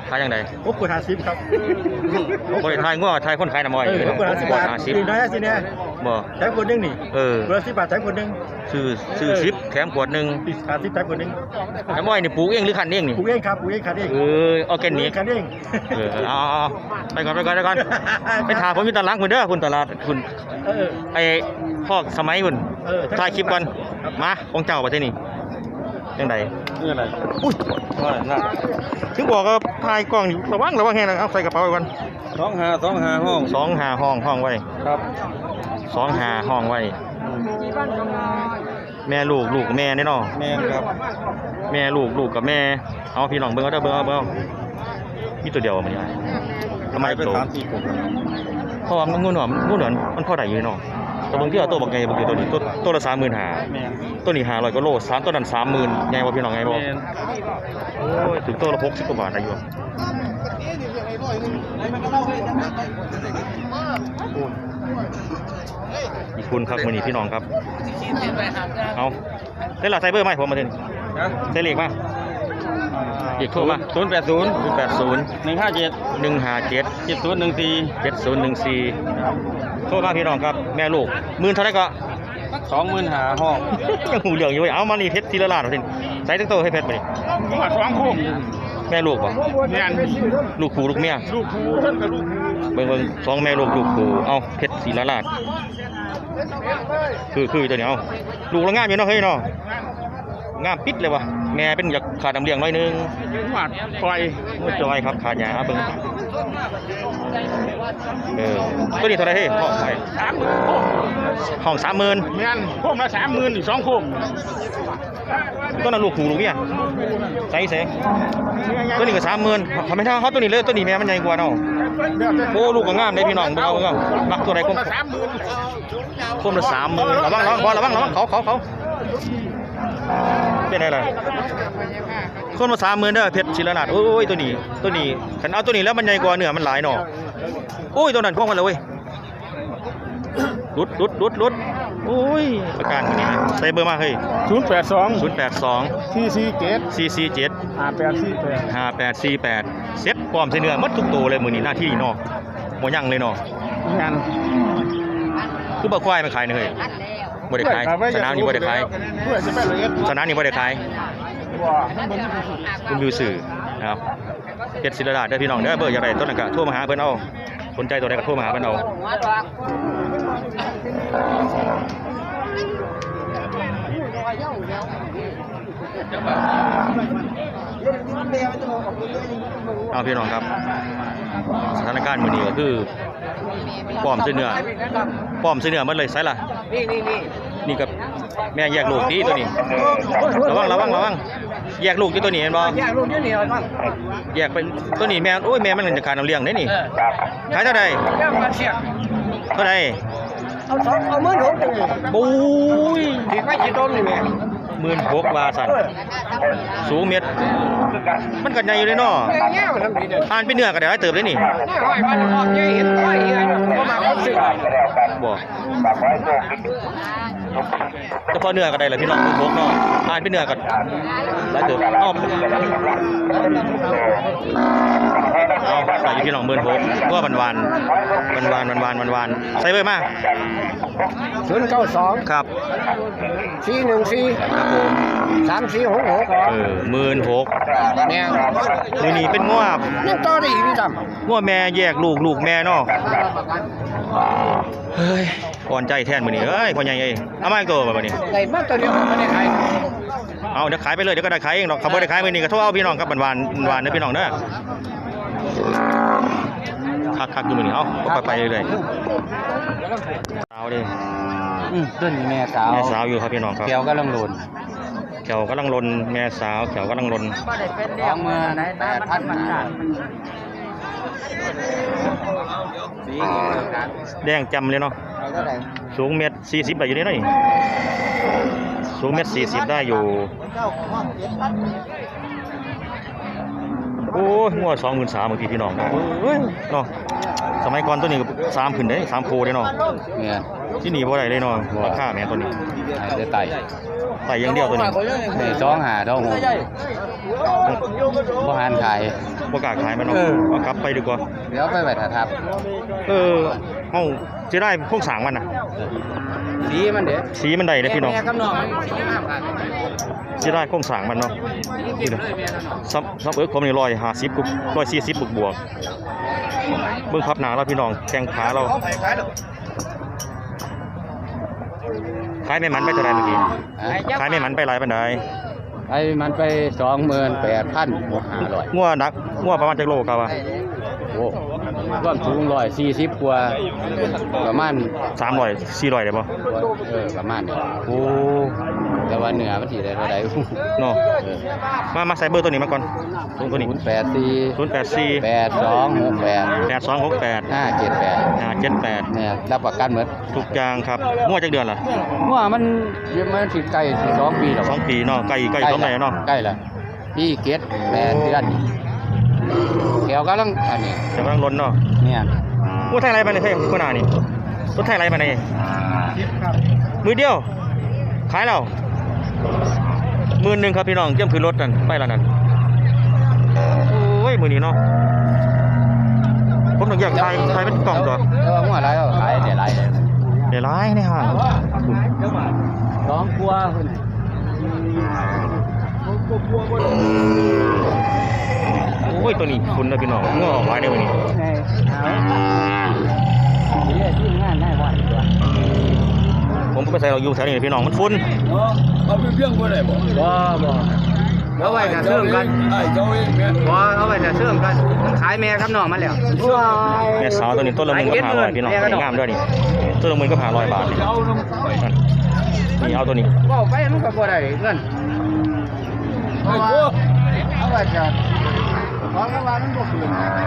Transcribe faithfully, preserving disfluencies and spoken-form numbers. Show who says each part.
Speaker 1: ขายยังไง
Speaker 2: หกขวดห้าสิบครับ
Speaker 1: บริทายง้อทายคนขายน้ำอ้อย
Speaker 2: หกขวดห้าสิบบาทสี่น้อยสิเนี่ย
Speaker 1: บ่
Speaker 2: แถมขวดนึงนี่
Speaker 1: เออ
Speaker 2: ขวดสิบบาทแถมขวดนึง
Speaker 1: ซื้อซื้อสิบแถมขวดหนึ่ง
Speaker 2: ห้าสิบแถมขวดนึง
Speaker 1: น้ำอ้อยนี่ปลูกเองหรือขันเองนี่
Speaker 2: ปลูกเองครับปลูกเองขันเอง
Speaker 1: เออออร์แกนิก
Speaker 2: ขันเอง
Speaker 1: เออเอาไปก่อนไปก่อนไปก่อนไปถามผมอยู่ตลาดคุณเด้อคุณตลาดคุณไอ้พอกสมัยคุณถ่ายคลิปก่อนมาของเจ้าประเทศนี้ยังไง
Speaker 2: นี่อะไร
Speaker 1: อุ้ยน่าถึงบอกว่าถ่ายกล้องอยู่ระวังระวังแห้งนะเอาใส่กระเป๋าไปก่อน
Speaker 2: สองหาสองหาห้อง
Speaker 1: สองหาห้องห้องไว้
Speaker 2: ครับ
Speaker 1: สองหาห้องไว้แม่ลูกลูกแม่แน่นอน
Speaker 2: แม่ครับ
Speaker 1: แม่ลูกลูกกับแม่เอาพี่น้องเบิ้งเอาเด้อเบิ้งเอาเบิ้งมีตัวเดียวมันยังไงทำไมเป็นสามสี่ตัวเพราะว่ามันงูหนวมงูหนวมมันพอได้อยู่เนาะตัวบางที่เอาตัวบางไงบางทีตัวนี้ตัวตัวละสามหมื่นหาตัวนี้หาร้อยก็โลสามตัวนั้นสามหมื่นไงวะพี่น้องไงบอกโอ้ยถึงตัวละหกสิบกว่าบาทได้อยู่อีกคุณครับมือนี้พี่น้องครับเอาได้หลักไซเบอร์ไหมผมมาเถอะใช้เลขมาอีกโทรมา
Speaker 2: ศูนย์แปดศูนย์
Speaker 1: ศูนย์แปดศูนย์
Speaker 2: หนึ่งห้าเจ็ด
Speaker 1: หนึ่งห้าเจ็ด
Speaker 2: เจ็ดศูนย์หนึ่งสี่
Speaker 1: เจ็ดศูนย์หนึ่งสี่โทรมาพี่น้องครับแม่ลูกหมื่นเท่าไรก็
Speaker 2: สองหมื่นหาห้อง
Speaker 1: ยังหูเหลืองอยู่เอามานี่เพชรทีละล้านเอาสิใส่ตั้งโตให้เพชรไปดิ
Speaker 2: สองคู่
Speaker 1: แม่ลูกป่ะ
Speaker 2: แม่
Speaker 1: ลูกคู่ลูกเมีย
Speaker 2: ลูกคู่ท่านกับลูก
Speaker 1: เบิ่งเบิ่งสองแม่ลูกลูกคู่เอาเพชรทีละล้านคือคือตัวนี้เอาลูกละงามอยู่เนาะเฮ้ยเนาะงามปิดเลยวะแม่เป็นอยากขาดน้ำเลี้ยงหน่อยนึง
Speaker 2: หวานปล่อย
Speaker 1: จอยครับขาดหยาเบิ่งเออตัวนี้เท่าไรเฮ้ยห้องไปห้องสามหมื่น
Speaker 2: แม่นพวกมาสามหมื่นอีกสองคู่
Speaker 1: ตัวนั้นลูกขู่ลูกเมียใส่เสตัวนี้ก็สามหมื่นทำไมถ้าเขาตัวนี้เลยตัวนี้แม่มันใหญ่กว่าเนาะโอ้ลูกก็งามเลยพี่น้องเบิ่งเอาเบิ่งเอามักตัวไหนคมคมละสามหมื่นระวังระวังบอลระวังระวังเขาเขาเขาเป็นอะไรคนมาสามหมื่นเด้อเพชรศิลนาถโอ้ยตัวนี้ตัวนี้ฉันเอาตัวนี้แล้วมันใหญ่กว่าเนื้อมันหลายหน่อโอ้ยตัวนั้นคล่องกันเลยเว้ยรุดรุดรุดรุดโอ้ยประกันคนนี้นะใส่เบอร์มาเฮ้ย
Speaker 2: ศูนย์แปดสอง
Speaker 1: ศูนย์แปดสอง
Speaker 2: สี่สี่เจ็ด
Speaker 1: สี่สี่เจ็ด
Speaker 2: ห้าแปดสี่แปด
Speaker 1: ห้าแปดสี่แปดเซ็ตพร้อมใส่เนื้อมัดทุกตัวเลยมือนี้หน้าที่เนาะหมดยังเลยเนาะ
Speaker 2: งาน
Speaker 1: คือบ่ควายมันขายเฮ้ยบ่ได้ขายสนามนี้บ่ได้ขายสนามนี้บ่ได้ขายคุณวิวสื่อนะครับเพชรศิลดาเด้อพี่น้องเด้อเบอร์อย่างไรต้นนั้นก็โทรมาหาเพิ่นเอาสนใจตัวใดก็โทรมาหาเพิ่นเอาเอาพี่น้องครับสถานการณ์มื้อนี้ก็คือป้อมเสื้อเนื้อป้อมเสื้อเนื้อมันเลยใส่ล่ะนี่นี่นี่นี่กับแม่แยกลูกดีตัวนี้ระวังระวังระวังแยกลูกที่ตัวนี้เห็นบ่
Speaker 2: แยกลูกที่นี่มัน
Speaker 1: แยกเป็นตัวนี้แม่โอ้ยแม่มันจะขาดน้ำเลี้ยงได้นี่ขายเท่าใดเท่าใด
Speaker 2: เอาสองเอาหมื่นหกเลย
Speaker 1: ปุ้ย
Speaker 2: ถือไม่กี่ต้นเลยแม่
Speaker 1: หมื่นหกบาทสั่นสูงเม็ดมันกันใหญ่อยู่เลยเนาะอ่านเป็นเนื้อกันได้เติบเลยนี่บ่เฉพาะเนื้อกันได้เลยพี่น้องหมื่นหกเนาะอ่านเป็นเนื้อกันได้เติบอ้อมเอาใส่พี่น้องหมื่นหกก็วันวันวันวันวันวันวันวันใส่เบอร์มา
Speaker 2: ศูนย์เก้าสอง
Speaker 1: ครับ
Speaker 2: สี่หนึ่งสี่
Speaker 1: ครับผม
Speaker 2: สามสี่หกหก
Speaker 1: เออหมื่นหก
Speaker 2: แม่
Speaker 1: นี่นี่เป็นง้ว
Speaker 2: นี่ต่อได้อีกพี่จำ
Speaker 1: ง้วแม่แยกลูกลูกแม่เนาะเฮ้ยอ่อนใจแทนมือนี่เฮ้ยพ่อใหญ่เอ้ยเอามาอีกตัวแบบนี้
Speaker 2: ใหญ่มากตัวเดียวไม่ได้ขาย
Speaker 1: เอาเดี๋ยวขายไปเลยเดี๋ยวก็ได้ขายเองหรอกเขาไม่ได้ขายมือนี่ก็โทษเอาพี่น้องครับหวานหวานเด้อพี่น้องเด้อคักคักอยู่มือนี่เอาไปไปเลยสาวดิ
Speaker 2: อืมต้นแม่สาว
Speaker 1: แม่สาวอยู่ครับพี่น้องครับ
Speaker 2: แก้วกำลังหล่น
Speaker 1: แขวกำลังลนแม่สาวแขวกำลังลน
Speaker 2: สองหมื่นแปดพัน
Speaker 1: แดงจำเลยเนาะสูงเมตรสี่สิบได้อยู่นี่หน่อยสูงเมตรสี่สิบได้อยู่โอ้ยงวดสองหมื่นสามบางทีพี่น้องเนาะสมัยก่อนตัวนี้สามขึ้นได้สามโพได้เนาะที่นี่บ่ได้เลยเนาะราคาแม่ตัวนี้
Speaker 2: ได้ไต่
Speaker 1: ไต่ยังเดียวตัวนี้
Speaker 2: สองหาเท่าหกบ่หันขาย
Speaker 1: บ่กล้าขายมันเนาะ
Speaker 2: เออ
Speaker 1: เอากลับไปดีกว่า
Speaker 2: เดี๋ยวไปไว้ถ้าทับ
Speaker 1: เออเฮาสิได้โครงสร้างมันน่ะ
Speaker 2: สีมันเด้
Speaker 1: สีมันได้เด้อพี่น้อง
Speaker 2: แม่กับน้องมันสีงามครับ
Speaker 1: สิได้โครงสร้างมันเนาะ
Speaker 2: กินเลยแม่กับน้อง
Speaker 1: ซับซับเอิกผมนี่ร้อยห้าสิบกุร้อยสี่สิบบวกบวกเบิ่งพับหนาเราพี่น้องแข้งขาเราขายไม่มันไปเท่าไรเมื่อกี้ขายไม่มันไปหลายปันได
Speaker 2: ไอ้มันไปสองหมื่นแปดพันบวกห้าร้อย
Speaker 1: งัวนักงัวประมาณจักโลครับว่า
Speaker 2: โอ้ร่วมสูงร้อยสี่สิบกว่าประมาณ
Speaker 1: สามร้อยสี่ร้อยได้บ่
Speaker 2: เออประมาณนี้
Speaker 1: โอ้
Speaker 2: แต่ว่าเหนือมันสีได้เท่าไหร่
Speaker 1: เนาะมามาใส่เบอร์ตัวนี้มาก่อนตรงตัวนี้
Speaker 2: ศูนย์แปดสี่
Speaker 1: ศูนย์แปดสี่
Speaker 2: แปดสองหกแปด
Speaker 1: แปดสองหกแปด
Speaker 2: ห้าเจ็ดแปด
Speaker 1: ห้าเจ็ดแปด
Speaker 2: เนี่ยรับประกันหมด
Speaker 1: ทุกอย่างครับงัวจักเดือนล่ะ
Speaker 2: ว่ามันมันสิใกล้สิสองปีแล้ว
Speaker 1: สองปีเนาะใกล้ใกล้สองปีเนาะ
Speaker 2: ใกล้แล้วพี่เกตแปดเดือนแถวกำลังอันนี้
Speaker 1: แต่กำลังล้นเนาะ
Speaker 2: เนี่ย
Speaker 1: งัวไทยไรมาเนี่ยเฮ้ยคนหน้านี่รถไทยไรมาเนี่ยมือเดียวขายแล้วหมื่นหนึ่งครับพี่น้องเตรียมขึ้นรถนั่นไปแล้วนั่นโอ้ยมือนี้เนาะผมต้องแยกไทยไทยเป็นกล่องตัว
Speaker 2: เออหัวไรก็ขายเดี๋ยวไรเลย
Speaker 1: เดี๋ยวร้ายในห้าง
Speaker 2: สองกลัวคุณ
Speaker 1: โอ้ยตัวนี้คุณนะพี่น้องเงาออกไว้ในวันนี้
Speaker 2: ไงเอาเดี๋ยวที่งานได้วันตัว
Speaker 1: ผมไปใส่เราอยู่แถวนี้พี่น้องมันฟุ้น
Speaker 3: เอาไปเพียงบ่ได้บ่
Speaker 2: บ่บ่เอาไว้จะเชื่อมกัน
Speaker 3: ไอ้เจ้าเองแม่
Speaker 2: บ่เอาไว้จะเชื่อมกันมันขายแม่กับน้องมาแล้ว
Speaker 1: แม่สาวตัวนี้ต้นละหมื่นก็ผ่าร้อยพี่น้องตัวนี้งามด้วยนี่ต้นละหมื่นก็ผ่าร้อยบาทนี่
Speaker 3: เอาน้ำไป
Speaker 1: นี่เอาตัวนี้
Speaker 2: บ่ไปมันก็บ่ได้เงิน
Speaker 3: ไอ้พวก
Speaker 2: เอาไว้จะของรางวัลมันบ่คืน